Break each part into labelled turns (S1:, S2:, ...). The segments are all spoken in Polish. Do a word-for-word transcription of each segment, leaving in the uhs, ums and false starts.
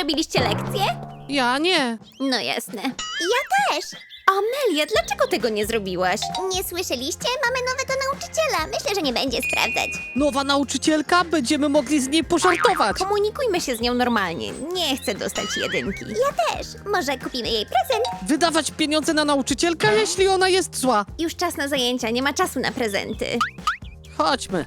S1: zrobiliście lekcję?
S2: Ja nie.
S1: No jasne.
S3: Ja też.
S1: Amelia, dlaczego tego nie zrobiłaś?
S3: Nie słyszeliście? Mamy nowego nauczyciela. Myślę, że nie będzie sprawdzać.
S2: Nowa nauczycielka, będziemy mogli z niej pożartować.
S1: Komunikujmy się z nią normalnie. Nie chcę dostać jedynki.
S3: Ja też. Może kupimy jej prezent?
S2: Wydawać pieniądze na nauczycielkę, jeśli ona jest zła.
S1: Już czas na zajęcia, nie ma czasu na prezenty.
S2: Chodźmy.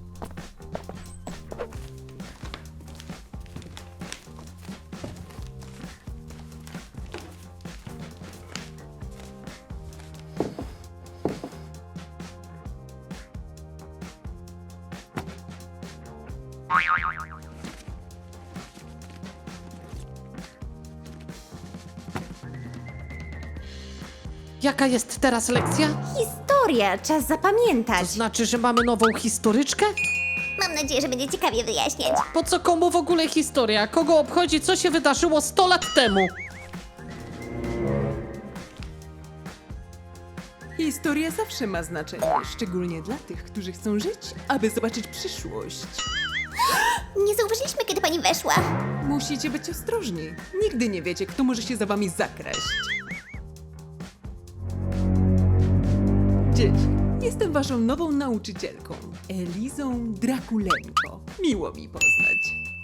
S2: Jaka jest teraz lekcja?
S1: Historia, czas
S2: To
S1: zapamiętać.
S2: znaczy, że mamy nową historyczkę?
S3: Mam nadzieję, że będzie ciekawie wyjaśniać.
S2: Po co komu w ogóle historia? Kogo obchodzi, co się wydarzyło sto lat temu?
S4: Historia zawsze ma znaczenie, szczególnie dla tych, którzy chcą żyć, aby zobaczyć przyszłość.
S3: Nie zauważyliśmy, kiedy pani weszła.
S4: Musicie być ostrożni. Nigdy nie wiecie, kto może się za wami zakraść. Dzieci, jestem waszą nową nauczycielką, Elizą Drakulenko. Miło mi poznać.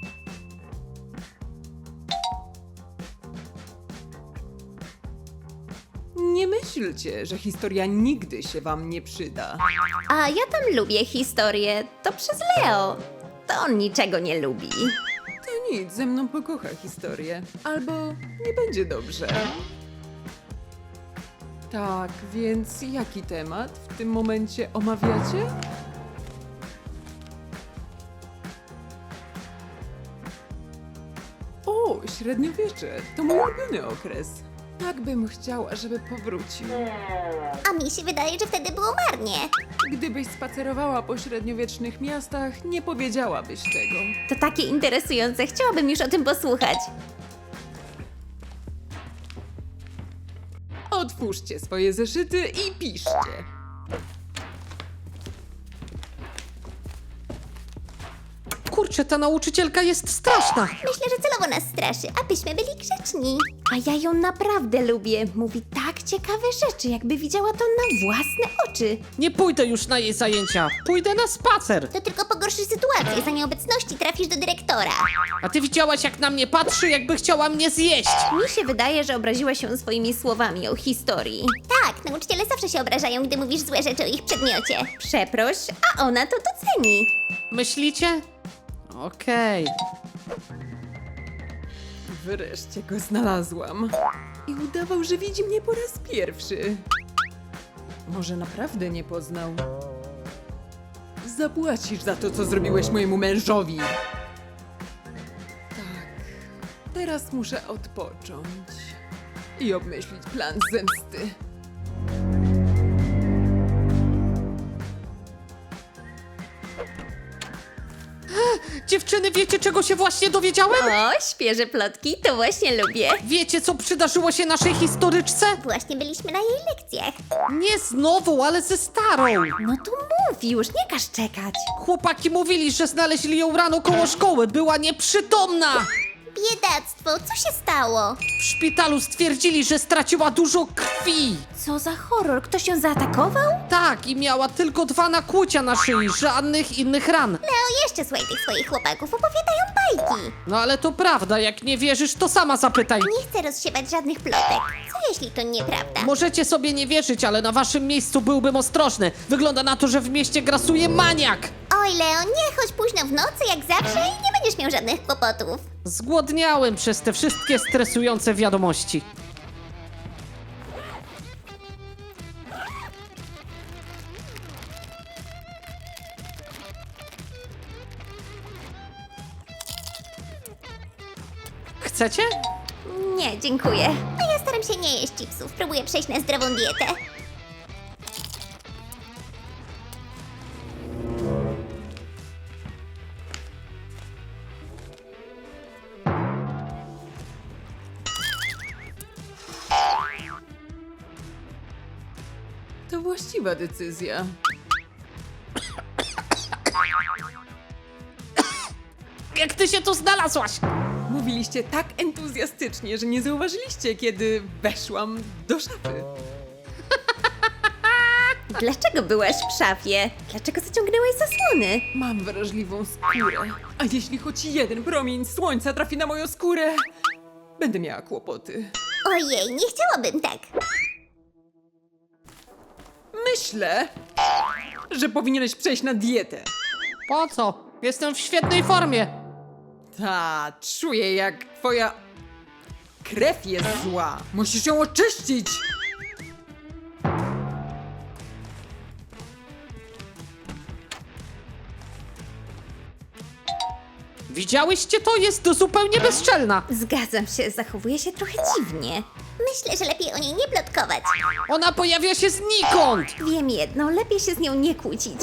S4: Nie myślcie, że historia nigdy się wam nie przyda.
S1: A ja tam lubię historię. To przez Leo. To on niczego nie lubi.
S4: To nic, ze mną pokocha historię. Albo nie będzie dobrze. Tak, więc jaki temat w tym momencie omawiacie? O, średniowiecze, to mój ulubiony okres. Tak bym chciała, żeby powrócił.
S3: A mi się wydaje, że wtedy było marnie.
S4: Gdybyś spacerowała po średniowiecznych miastach, nie powiedziałabyś tego.
S1: To takie interesujące, chciałabym już o tym posłuchać.
S4: Otwórzcie swoje zeszyty i piszcie.
S2: Kurczę, ta nauczycielka jest straszna.
S3: Myślę, że celowo nas straszy, abyśmy byli grzeczni.
S1: A ja ją naprawdę lubię. Mówi tak ciekawe rzeczy, jakby widziała to na własne oczy.
S2: Nie pójdę już na jej zajęcia. Pójdę na spacer.
S3: To tylko pogorszy sytuację. Za nieobecności trafisz do dyrektora.
S2: A ty widziałaś, jak na mnie patrzy, jakby chciała mnie zjeść.
S1: Mi się wydaje, że obraziła się swoimi słowami o historii.
S3: Tak, nauczyciele zawsze się obrażają, gdy mówisz złe rzeczy o ich przedmiocie.
S1: Przeproś, a ona to doceni.
S2: Myślicie? Okej.
S4: Wreszcie go znalazłam. I udawał, że widzi mnie po raz pierwszy. Może naprawdę nie poznał. Zapłacisz za to, co zrobiłeś mojemu mężowi. Tak. Teraz muszę odpocząć. I obmyślić plan zemsty.
S2: Dziewczyny, wiecie, czego się właśnie dowiedziałem?
S1: O, świeże plotki, to właśnie lubię.
S2: Wiecie, co przydarzyło się naszej historyczce?
S3: Właśnie byliśmy na jej lekcjach.
S2: Nie z nową, ale ze starą.
S1: No to mów już, nie każ czekać.
S2: Chłopaki mówili, że znaleźli ją rano koło szkoły. Była nieprzytomna.
S3: Biedactwo, co się stało?
S2: W szpitalu stwierdzili, że straciła dużo krwi.
S1: Co za horror, ktoś ją zaatakował?
S2: Tak, i miała tylko dwa nakłucia na szyi, żadnych innych ran.
S3: Leo, jeszcze słuchaj tych swoich chłopaków, opowiadają bajki.
S2: No ale to prawda, jak nie wierzysz, to sama zapytaj.
S3: Nie chcę rozsiewać żadnych plotek. Co jeśli to nieprawda?
S2: Możecie sobie nie wierzyć, ale na waszym miejscu byłbym ostrożny. Wygląda na to, że w mieście grasuje maniak.
S3: Oj, Leo, nie chodź późno w nocy jak zawsze i nie będziesz miał żadnych kłopotów.
S2: Zgłodniałem przez te wszystkie stresujące wiadomości. Chcecie?
S1: Nie, dziękuję.
S3: A ja staram się nie jeść chipsów, próbuję przejść na zdrową dietę.
S4: To właściwa decyzja.
S2: Jak ty się tu znalazłaś?
S4: Mówiliście tak entuzjastycznie, że nie zauważyliście, kiedy weszłam do szafy.
S1: Dlaczego byłaś w szafie? Dlaczego zaciągnęłaś zasłony?
S4: Mam wrażliwą skórę. A jeśli choć jeden promień słońca trafi na moją skórę, będę miała kłopoty.
S3: Ojej, nie chciałabym tak.
S4: Myślę, że powinieneś przejść na dietę.
S2: Po co? Jestem w świetnej formie.
S4: Ta, czuję jak twoja krew jest zła. Musisz ją oczyścić.
S2: Widziałyście to? Jest to zupełnie bezczelna.
S1: Zgadzam się, zachowuje się trochę dziwnie.
S3: Myślę, że lepiej o niej nie plotkować.
S2: Ona pojawia się znikąd.
S1: Wiem jedno, lepiej się z nią nie kłócić.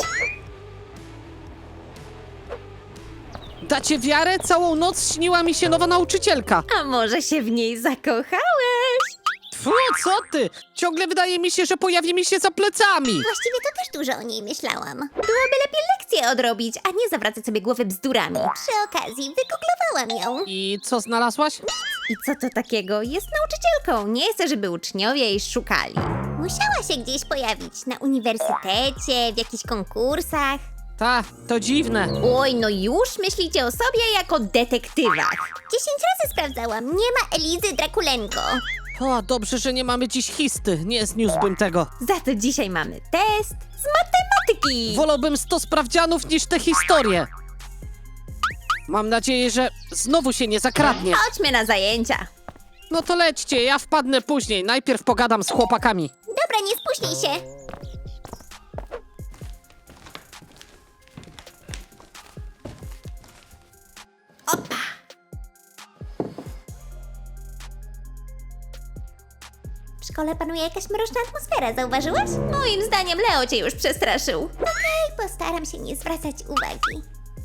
S2: Dacie wiarę? Całą noc śniła mi się nowa nauczycielka.
S1: A może się w niej zakochałeś?
S2: Fu, co ty? Ciągle wydaje mi się, że pojawi mi się za plecami.
S3: Właściwie to też dużo o niej myślałam.
S1: Byłoby lepiej lekcje odrobić, a nie zawracać sobie głowy bzdurami.
S3: Przy okazji wygooglowałam ją.
S2: I co znalazłaś?
S1: I co to takiego? Jest nauczycielką, nie chcę, żeby uczniowie jej szukali.
S3: Musiała się gdzieś pojawić. Na uniwersytecie, w jakichś konkursach.
S2: Ta, to dziwne.
S1: Oj, no już myślicie o sobie jako detektywach.
S3: Dziesięć razy sprawdzałam. Nie ma Elizy Drakulenko.
S2: O, dobrze, że nie mamy dziś histy. Nie zniósłbym tego.
S1: Za to dzisiaj mamy test z matematyki.
S2: Wolałbym sto sprawdzianów niż te historie. Mam nadzieję, że znowu się nie zakradnie.
S1: Chodźmy na zajęcia.
S2: No to lećcie, ja wpadnę później. Najpierw pogadam z chłopakami.
S3: Dobra, nie spóźnij się. W szkole panuje jakaś mroczna atmosfera, zauważyłaś?
S1: Moim zdaniem Leo cię już przestraszył.
S3: Okej, postaram się nie zwracać uwagi.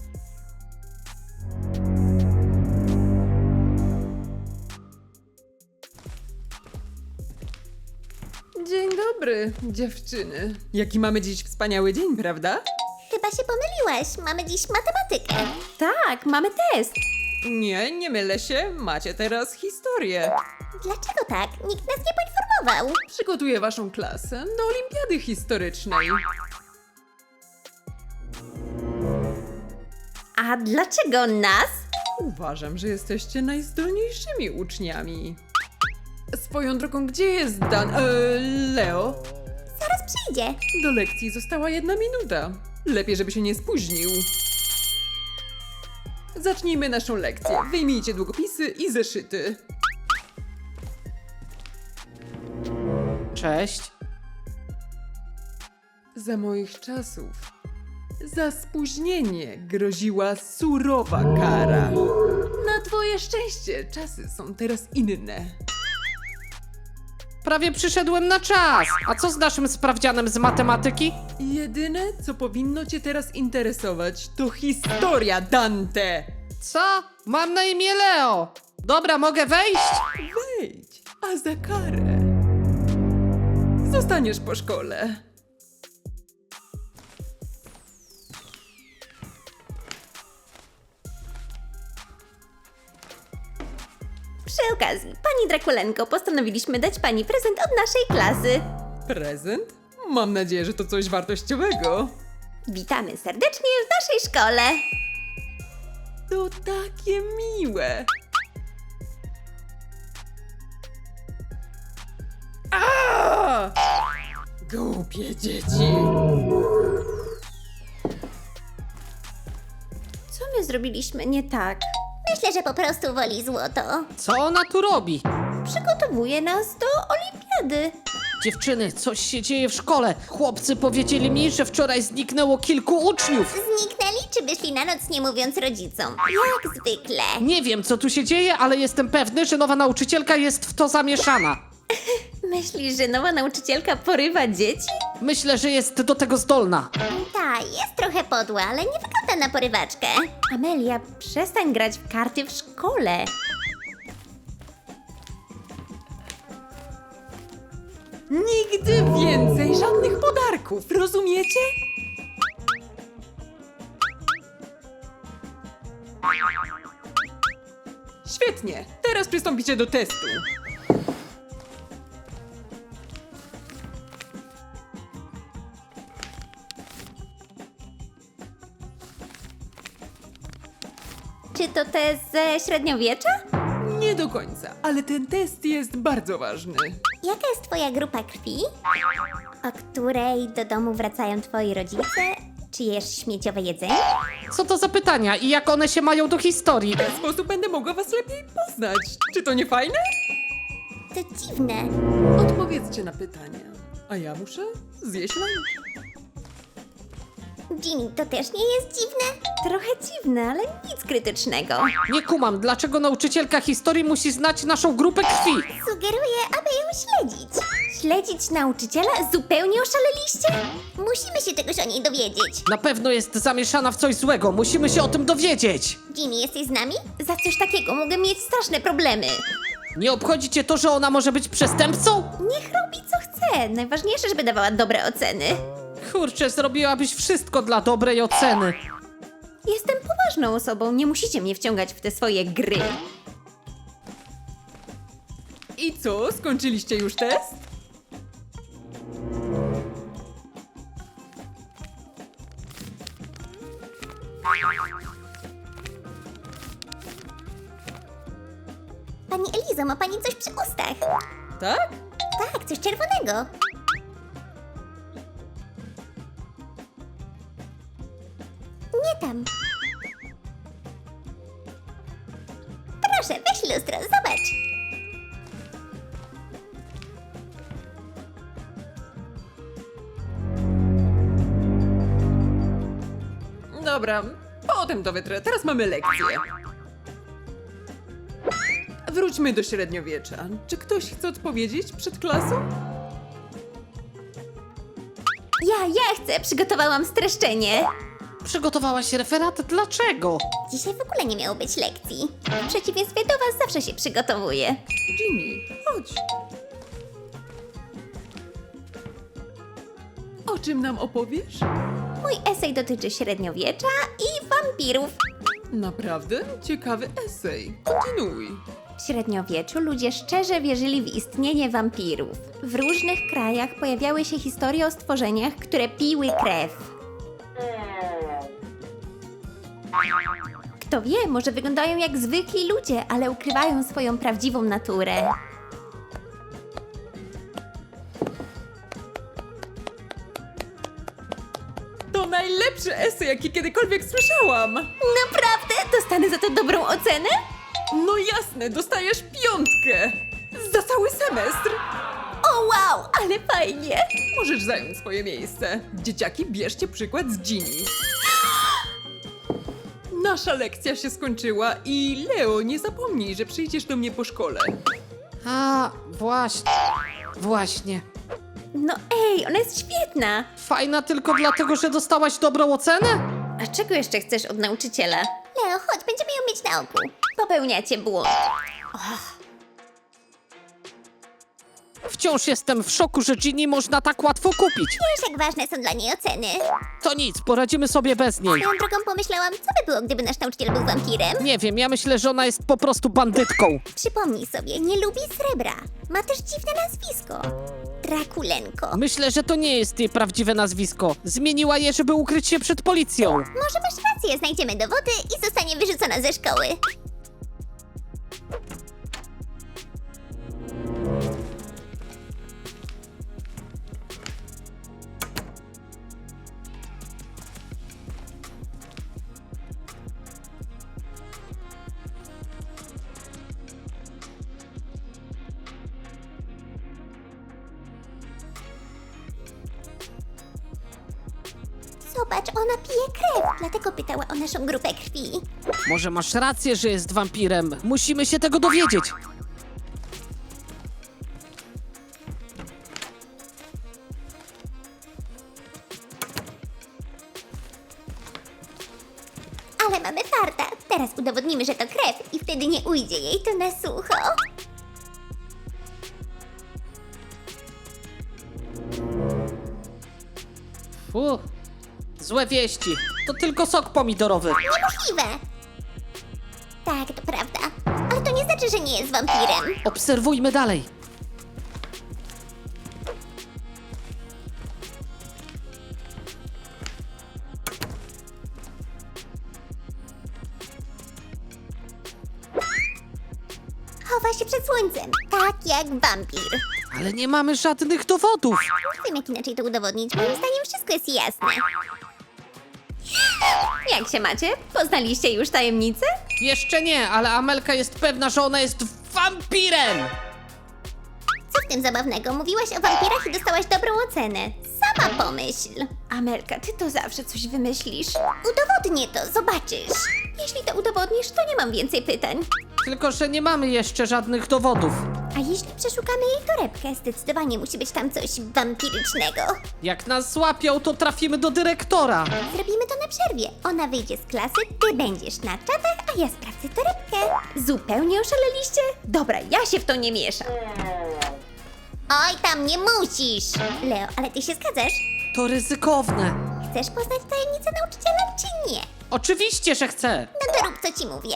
S4: Dzień dobry, dziewczyny. Jaki mamy dziś wspaniały dzień, prawda?
S3: Chyba się pomyliłaś. Mamy dziś matematykę.
S1: Tak, mamy test.
S4: Nie, nie mylę się. Macie teraz historię.
S3: Dlaczego tak? Nikt nas nie poinformował.
S4: Przygotuję waszą klasę do olimpiady historycznej.
S1: A dlaczego nas?
S4: Uważam, że jesteście najzdolniejszymi uczniami. Swoją drogą, gdzie jest Dan... E, Leo?
S3: Zaraz przyjdzie.
S4: Do lekcji została jedna minuta. Lepiej, żeby się nie spóźnił. Zacznijmy naszą lekcję. Wyjmijcie długopisy i zeszyty.
S2: Cześć.
S4: Za moich czasów za spóźnienie groziła surowa kara. Na twoje szczęście czasy są teraz inne.
S2: Prawie przyszedłem na czas. A co z naszym sprawdzianem z matematyki?
S4: Jedyne, co powinno cię teraz interesować, to historia, Dante!
S2: Co? Mam na imię Leo. Dobra, mogę wejść?
S4: Wejdź, a za karę zostaniesz po szkole.
S1: Przy okazji, pani Drakulenko, postanowiliśmy dać pani prezent od naszej klasy.
S4: Prezent? Mam nadzieję, że to coś wartościowego.
S1: Witamy serdecznie w naszej szkole.
S4: To takie miłe. A! Głupie dzieci.
S1: Co my zrobiliśmy nie tak?
S3: Myślę, że po prostu woli złoto.
S2: Co ona tu robi?
S1: Przygotowuje nas do olimpiady.
S2: Dziewczyny, coś się dzieje w szkole. Chłopcy powiedzieli mi, że wczoraj zniknęło kilku uczniów.
S3: Zniknęli czy wyszli na noc nie mówiąc rodzicom? Jak zwykle.
S2: Nie wiem, co tu się dzieje, ale jestem pewny, że nowa nauczycielka jest w to zamieszana.
S1: Myślisz, że nowa nauczycielka porywa dzieci?
S2: Myślę, że jest do tego zdolna.
S3: Ta, jest trochę podła, ale nie wygląda na porywaczkę.
S1: Amelia, przestań grać w karty w szkole.
S4: Nigdy więcej żadnych podarków, rozumiecie? Świetnie, teraz przystąpicie do testu.
S1: Czy to test ze średniowiecza?
S4: Nie do końca, ale ten test jest bardzo ważny.
S3: Jaka jest twoja grupa krwi? O której do domu wracają twoi rodzice? Czy jesz śmieciowe jedzenie?
S2: Co to za pytania i jak one się mają do historii?
S4: W ten sposób będę mogła was lepiej poznać. Czy to nie fajne?
S3: To dziwne.
S4: Odpowiedzcie na pytania. A ja muszę zjeść lunch.
S3: Ginny, to też nie jest dziwne?
S1: Trochę dziwne, ale nic krytycznego.
S2: Nie kumam, dlaczego nauczycielka historii musi znać naszą grupę krwi?
S3: Sugeruję, aby ją śledzić.
S1: Śledzić nauczyciela? Zupełnie oszaleliście?
S3: Musimy się czegoś o niej dowiedzieć.
S2: Na pewno jest zamieszana w coś złego, musimy się o tym dowiedzieć.
S3: Ginny, jesteś z nami?
S1: Za coś takiego mogę mieć straszne problemy.
S2: Nie obchodzi cię to, że ona może być przestępcą?
S1: Niech robi co chce. Najważniejsze, żeby dawała dobre oceny.
S2: Kurczę, zrobiłabyś wszystko dla dobrej oceny.
S1: Jestem poważną osobą, nie musicie mnie wciągać w te swoje gry.
S4: I co, skończyliście już test?
S3: Pani Elizo, ma pani coś przy ustach?
S4: Tak?
S3: Tak, coś czerwonego. Nie tam. Proszę, weź lustro, zobacz.
S4: Dobra, potem to wytrę. Teraz mamy lekcję. Wróćmy do średniowiecza. Czy ktoś chce odpowiedzieć przed klasą?
S1: Ja, ja chcę, przygotowałam streszczenie.
S2: Przygotowałaś referat? Dlaczego?
S3: Dzisiaj w ogóle nie miało być lekcji.
S1: W przeciwieństwie do was zawsze się przygotowuję.
S4: Ginny, chodź. O czym nam opowiesz?
S1: Mój esej dotyczy średniowiecza i wampirów.
S4: Naprawdę? Ciekawy esej. Kontynuuj.
S1: W średniowieczu ludzie szczerze wierzyli w istnienie wampirów. W różnych krajach pojawiały się historie o stworzeniach, które piły krew. Kto wie, może wyglądają jak zwykli ludzie, ale ukrywają swoją prawdziwą naturę.
S4: To najlepszy esej, jaki kiedykolwiek słyszałam.
S1: Naprawdę? Dostanę za to dobrą ocenę?
S4: No jasne, dostajesz piątkę. Za cały semestr.
S1: O wow, ale fajnie!
S4: Możesz zająć swoje miejsce. Dzieciaki, bierzcie przykład z Ginny. Nasza lekcja się skończyła i Leo, nie zapomnij, że przyjdziesz do mnie po szkole.
S2: A, właśnie. Właśnie.
S1: No ej, ona jest świetna!
S2: Fajna tylko dlatego, że dostałaś dobrą ocenę?
S1: A czego jeszcze chcesz od nauczyciela?
S3: Leo, chodź, będziemy ją mieć na oku.
S1: Popełniacie błąd.
S2: Wciąż jestem w szoku, że Ginny można tak łatwo kupić.
S3: Wiesz, jak ważne są dla niej oceny.
S2: To nic, poradzimy sobie bez niej.
S3: Swoją drogą pomyślałam, co by było, gdyby nasz nauczyciel był wampirem?
S2: Nie wiem, ja myślę, że ona jest po prostu bandytką.
S3: Przypomnij sobie, nie lubi srebra. Ma też dziwne nazwisko. Drakulenko.
S2: Myślę, że to nie jest jej prawdziwe nazwisko. Zmieniła je, żeby ukryć się przed policją.
S3: Może masz rację, znajdziemy dowody i zostanie wyrzucona ze szkoły. Zobacz, ona pije krew, dlatego pytała o naszą grupę krwi.
S2: Może masz rację, że jest wampirem. Musimy się tego dowiedzieć.
S3: Ale mamy farta. Teraz udowodnimy, że to krew i wtedy nie ujdzie jej to na sucho.
S2: Fu, złe wieści. To tylko sok pomidorowy.
S3: Niemożliwe. Tak, to prawda. Ale to znaczy, że nie jest wampirem.
S2: Obserwujmy dalej.
S3: Chowa się przed słońcem, tak jak wampir.
S2: Ale nie mamy żadnych dowodów.
S3: Nie wiem, jak inaczej to udowodnić. Moim zdaniem wszystko jest jasne.
S1: Jak się macie? Poznaliście już tajemnicę?
S2: Jeszcze nie, ale Amelka jest pewna, że ona jest wampirem.
S3: Co w tym zabawnego? Mówiłaś o wampirach i dostałaś dobrą ocenę. Sama pomyśl.
S1: Amelka, ty to zawsze coś wymyślisz.
S3: Udowodnię to, zobaczysz.
S1: Jeśli to udowodnisz, to nie mam więcej pytań.
S2: Tylko że nie mamy jeszcze żadnych dowodów.
S3: A jeśli przeszukamy jej torebkę, zdecydowanie musi być tam coś wampirycznego.
S2: Jak nas złapią, to trafimy do dyrektora.
S3: Zrobimy to na przerwie. Ona wyjdzie z klasy, ty będziesz na czatach, a ja sprawdzę torebkę.
S1: Zupełnie oszaleliście? Dobra, ja się w to nie mieszam.
S3: Oj, tam nie musisz. Leo, ale ty się zgadzasz?
S2: To ryzykowne.
S3: Chcesz poznać tajemnicę nauczyciela, czy nie?
S2: Oczywiście, że chcę.
S3: No to rób, co ci mówię.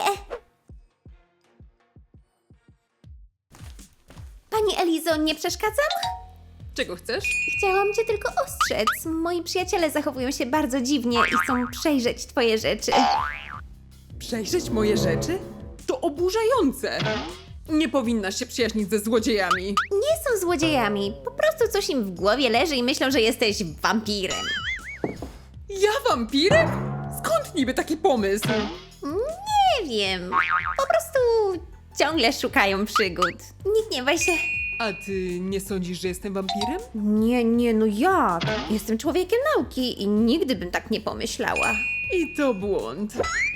S1: Pani Elizo, nie przeszkadzam?
S4: Czego chcesz?
S1: Chciałam cię tylko ostrzec. Moi przyjaciele zachowują się bardzo dziwnie i chcą przejrzeć twoje rzeczy.
S4: Przejrzeć moje rzeczy? To oburzające. Nie powinnaś się przyjaźnić ze złodziejami.
S1: Nie są złodziejami. Po prostu coś im w głowie leży i myślą, że jesteś wampirem.
S4: Ja wampirem? Skąd niby taki pomysł?
S1: Nie wiem. Po prostu ciągle szukają przygód. Nie gniewaj się.
S4: A ty nie sądzisz, że jestem wampirem?
S1: Nie, nie, no jak? Jestem człowiekiem nauki i nigdy bym tak nie pomyślała.
S4: I to błąd.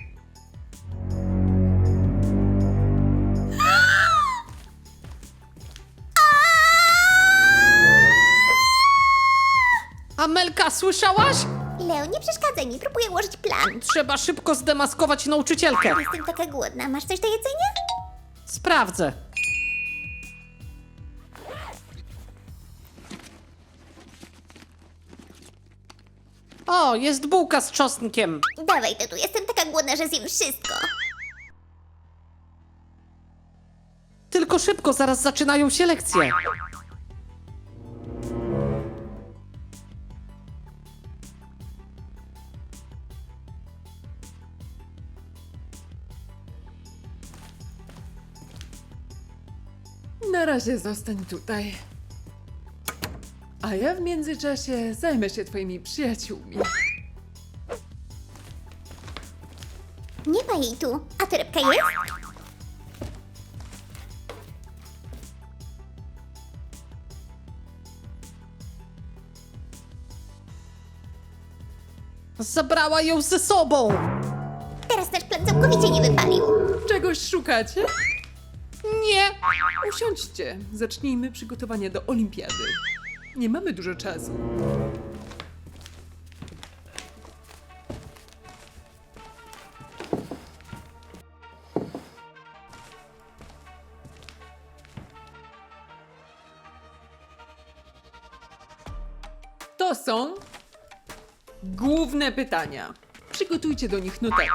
S2: Amelka, słyszałaś?
S3: Leo, nie przeszkadzaj mi, próbuję ułożyć plan.
S2: Trzeba szybko zdemaskować nauczycielkę.
S3: Jestem taka głodna. Masz coś do jedzenia?
S2: Sprawdzę. O, jest bułka z czosnkiem.
S3: Dawaj to tu, jestem taka głodna, że zjem wszystko.
S2: Tylko szybko, zaraz zaczynają się lekcje.
S4: Na razie zostań tutaj. A ja w międzyczasie zajmę się twoimi przyjaciółmi.
S3: Nie ma jej tu. A torebka jest?
S2: Zabrała ją ze sobą.
S3: Teraz nasz plan całkowicie nie wypalił.
S4: Czegoś szukacie?
S2: Nie.
S4: Usiądźcie. Zacznijmy przygotowania do olimpiady. Nie mamy dużo czasu. To są główne pytania. Przygotujcie do nich notatki.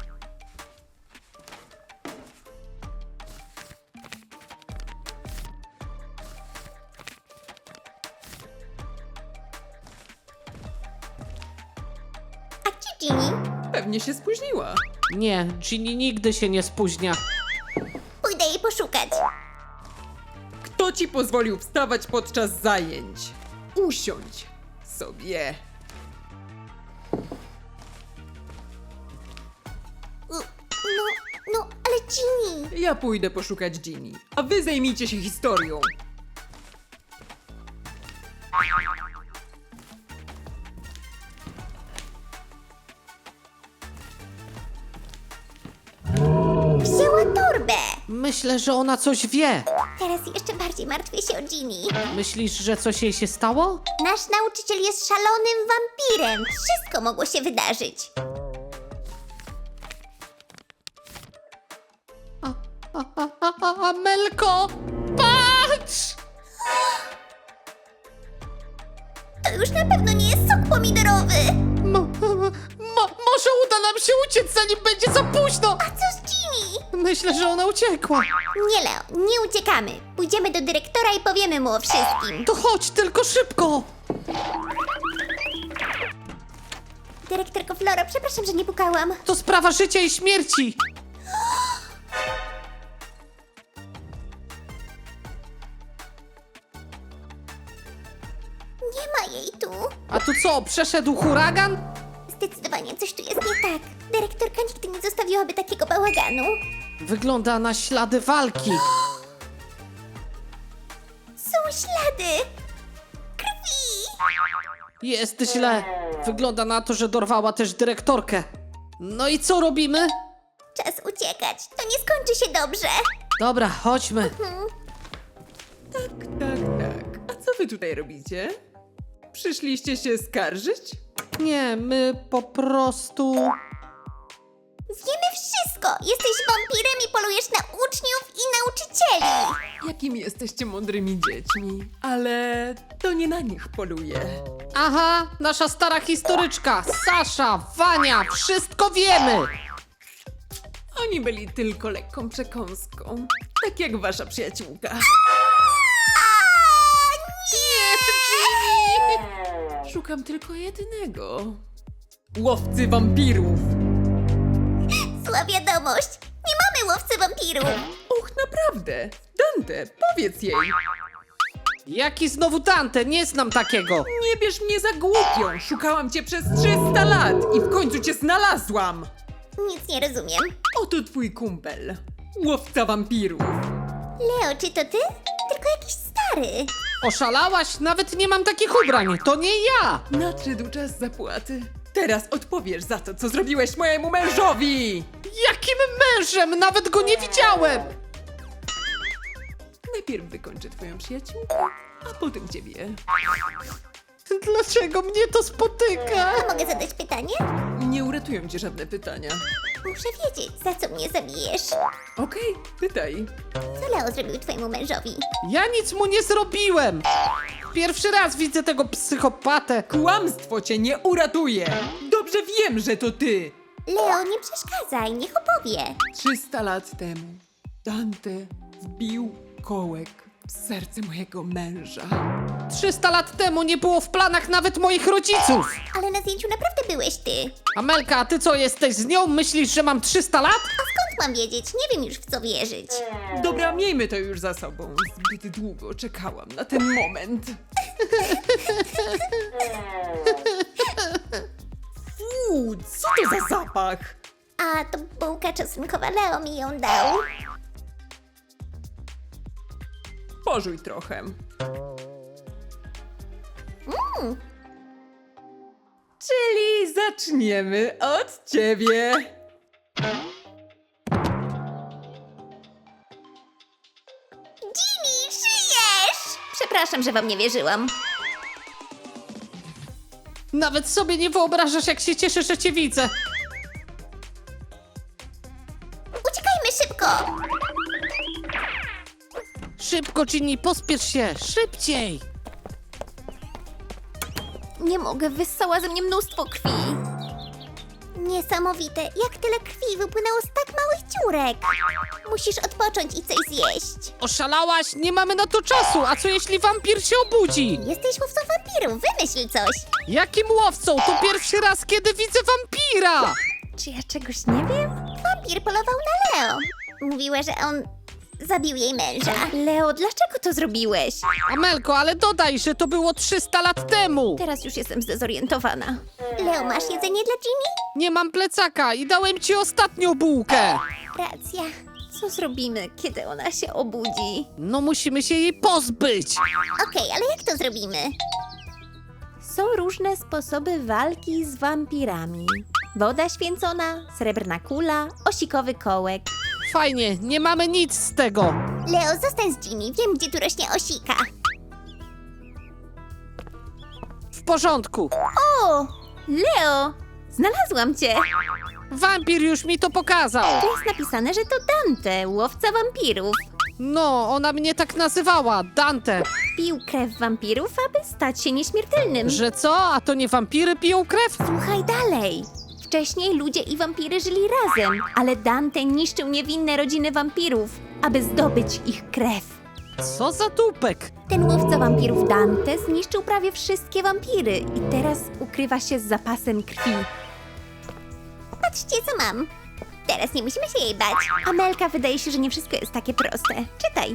S3: A gdzie Ginny?
S4: Pewnie się spóźniła.
S2: Nie, Ginny nigdy się nie spóźnia.
S3: Pójdę jej poszukać.
S4: Kto ci pozwolił wstawać podczas zajęć? Usiądź sobie.
S3: No, no, ale Ginny.
S4: Ja pójdę poszukać Ginny, a wy zajmijcie się historią.
S3: Wzięła torbę.
S2: Myślę, że ona coś wie.
S3: Teraz jeszcze bardziej martwię się o Ginny.
S2: Myślisz, że coś jej się stało?
S3: Nasz nauczyciel jest szalonym wampirem. Wszystko mogło się wydarzyć.
S2: A, a, a, a, a, Amelko! Patrz!
S3: To już na pewno nie jest sok pomidorowy.
S2: Mo, mo, może uda nam się uciec, zanim będzie za późno!
S3: A co z Ginny?
S2: Myślę, że ona uciekła.
S3: Nie, Leo, nie uciekamy. Pójdziemy do dyrektora i powiemy mu o wszystkim.
S2: To chodź, tylko szybko.
S3: Dyrektorko Floro, przepraszam, że nie pukałam.
S2: To sprawa życia i śmierci.
S3: Nie ma jej tu.
S2: A tu co, przeszedł huragan?
S3: Zdecydowanie coś tu jest nie tak. Dyrektorka nigdy nie zostawiłaby takiego bałaganu.
S2: Wygląda na ślady walki.
S3: Są ślady krwi.
S2: Jest źle. Wygląda na to, że dorwała też dyrektorkę. No i co robimy?
S3: Czas uciekać. To nie skończy się dobrze.
S2: Dobra, chodźmy.
S4: Tak, tak, tak. A co wy tutaj robicie? Przyszliście się skarżyć?
S2: Nie, my po prostu...
S3: Wiemy wszystko. Jesteś wampirem i polujesz na uczniów i nauczycieli.
S4: Jakimi jesteście mądrymi dziećmi? Ale to nie na nich poluję.
S2: Aha, nasza stara historyczka, Sasza, Wania, wszystko wiemy!
S4: Oni byli tylko lekką przekąską. Tak jak wasza przyjaciółka. Szukam tylko jednego. Łowcy wampirów.
S3: Zła wiadomość. Nie mamy łowcy wampirów.
S4: Och, naprawdę. Dante, powiedz jej.
S2: Jaki znowu Dante? Nie znam takiego.
S4: Nie bierz mnie za głupią. Szukałam cię przez trzysta lat i w końcu cię znalazłam.
S3: Nic nie rozumiem.
S4: Oto twój kumpel. Łowca wampirów.
S3: Leo, czy to ty? Tylko jakiś stary.
S2: Oszalałaś? Nawet nie mam takich ubrań, to nie ja!
S4: Nadszedł czas zapłaty. Teraz odpowiesz za to, co zrobiłeś mojemu mężowi!
S2: Jakim mężem? Nawet go nie widziałem!
S4: Najpierw wykończę twoją przyjaciółkę, a potem ciebie.
S2: Dlaczego mnie to spotyka?
S3: A mogę zadać pytanie?
S4: Nie uratują cię żadne pytania.
S3: Muszę wiedzieć, za co mnie zabijesz.
S4: Okej, pytaj.
S3: Co Leo zrobił twojemu mężowi?
S2: Ja nic mu nie zrobiłem! Pierwszy raz widzę tego psychopatę.
S4: Kłamstwo cię nie uratuje! Dobrze wiem, że to ty!
S3: Leo, nie przeszkadzaj, niech opowie.
S4: trzysta lat temu Dante wbił kołek w serce mojego męża.
S2: trzysta lat temu nie było w planach nawet moich rodziców.
S3: Ale na zdjęciu naprawdę byłeś ty.
S2: Amelka, a ty co, jesteś z nią? Myślisz, że mam trzysta lat?
S3: A skąd mam wiedzieć? Nie wiem już w co wierzyć.
S4: Dobra, miejmy to już za sobą. Zbyt długo czekałam na ten moment. Fuu, co to za zapach?
S3: A to bułka czosnkowa, Leo mi ją dał.
S4: Pożuj trochę. Czyli zaczniemy od ciebie.
S3: Jimmy, żyjesz!
S1: Przepraszam, że wam nie wierzyłam.
S2: Nawet sobie nie wyobrażasz, jak się cieszę, że cię widzę.
S3: Uciekajmy szybko!
S2: Szybko, Ginny, pospiesz się, szybciej.
S1: Nie mogę, wyssała ze mnie mnóstwo krwi.
S3: Niesamowite, jak tyle krwi wypłynęło z tak małych dziurek. Musisz odpocząć i coś zjeść.
S2: Oszalałaś? Nie mamy na to czasu. A co jeśli wampir się obudzi?
S3: Jesteś łowcą wampirów, wymyśl coś.
S2: Jakim łowcą? To pierwszy raz, kiedy widzę wampira.
S1: Czy ja czegoś nie wiem?
S3: Wampir polował na Leo. Mówiła, że on zabił jej męża.
S1: Leo, dlaczego to zrobiłeś?
S2: Amelko, ale dodaj, że to było trzysta lat temu.
S1: Teraz już jestem zdezorientowana.
S3: Leo, masz jedzenie dla Ginny?
S2: Nie mam plecaka i dałem ci ostatnią bułkę.
S3: Racja.
S1: Co zrobimy, kiedy ona się obudzi?
S2: No musimy się jej pozbyć.
S3: Okej, ale jak to zrobimy?
S1: Są różne sposoby walki z wampirami. Woda święcona, srebrna kula, osikowy kołek.
S2: Fajnie, nie mamy nic z tego.
S3: Leo, zostań z Ginny, wiem gdzie tu rośnie osika.
S2: W porządku.
S1: O! Leo! Znalazłam cię!
S2: Wampir już mi to pokazał.
S1: Tu jest napisane, że to Dante, łowca wampirów.
S2: No, ona mnie tak nazywała, Dante.
S1: Pił krew wampirów, aby stać się nieśmiertelnym.
S2: Że co? A to nie wampiry piją krew?
S1: Słuchaj dalej. W Wcześniej ludzie i wampiry żyli razem, ale Dante niszczył niewinne rodziny wampirów, aby zdobyć ich krew.
S2: Co za tupek?
S1: Ten łowca wampirów Dante zniszczył prawie wszystkie wampiry i teraz ukrywa się z zapasem krwi.
S3: Patrzcie, co mam. Teraz nie musimy się jej bać.
S1: Amelka, wydaje się, że nie wszystko jest takie proste. Czytaj.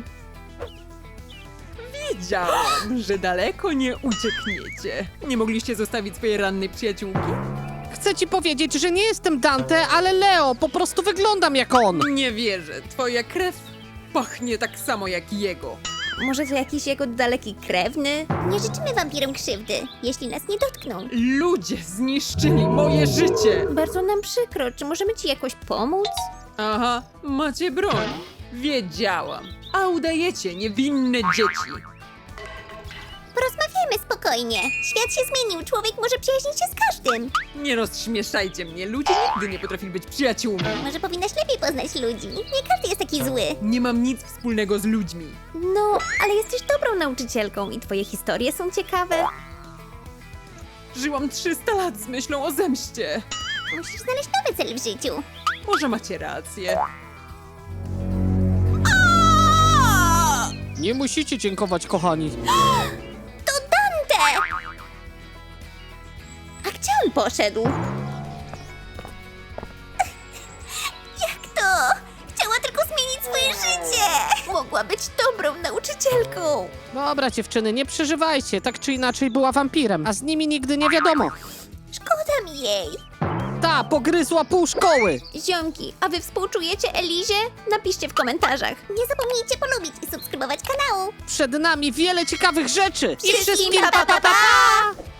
S4: Wiedziałam, że daleko nie uciekniecie. Nie mogliście zostawić swojej rannej przyjaciółki?
S2: Chcę ci powiedzieć, że nie jestem Dante, ale Leo, po prostu wyglądam jak on.
S4: Nie wierzę, twoja krew pachnie tak samo jak jego.
S1: Może to jakiś jego daleki krewny?
S3: Nie życzymy wampirom krzywdy, jeśli nas nie dotkną.
S4: Ludzie zniszczyli moje życie!
S1: Bardzo nam przykro. Czy możemy ci jakoś pomóc?
S4: Aha, macie broń. Wiedziałam. A udajecie niewinne dzieci.
S3: Porozmawiajmy spokojnie. Świat się zmienił, człowiek może przyjaźnić się z każdym.
S4: Nie rozśmieszajcie mnie, ludzie nigdy nie potrafili być przyjaciółmi.
S3: Może powinnaś lepiej poznać ludzi. Nie każdy jest taki zły.
S4: Nie mam nic wspólnego z ludźmi.
S1: No, ale jesteś dobrą nauczycielką i twoje historie są ciekawe.
S4: Żyłam trzysta lat z myślą o zemście.
S3: Musisz znaleźć nowy cel w życiu.
S4: Może macie rację.
S2: Nie musicie dziękować, kochani.
S3: To Dante!
S1: A gdzie on poszedł?
S3: Jak to? Chciała tylko zmienić swoje życie.
S1: Mogła być dobrą nauczycielką.
S2: Dobra, dziewczyny, nie przeżywajcie. Tak czy inaczej była wampirem, a z nimi nigdy nie wiadomo.
S3: Szkoda mi jej.
S2: Ta, pogryzła pół szkoły.
S1: Ziomki, a wy współczujecie Elizie? Napiszcie w komentarzach.
S3: Nie zapomnijcie polubić i subskrybować kanału.
S2: Przed nami wiele ciekawych rzeczy.
S1: Wszystkim pa, pa, pa, pa!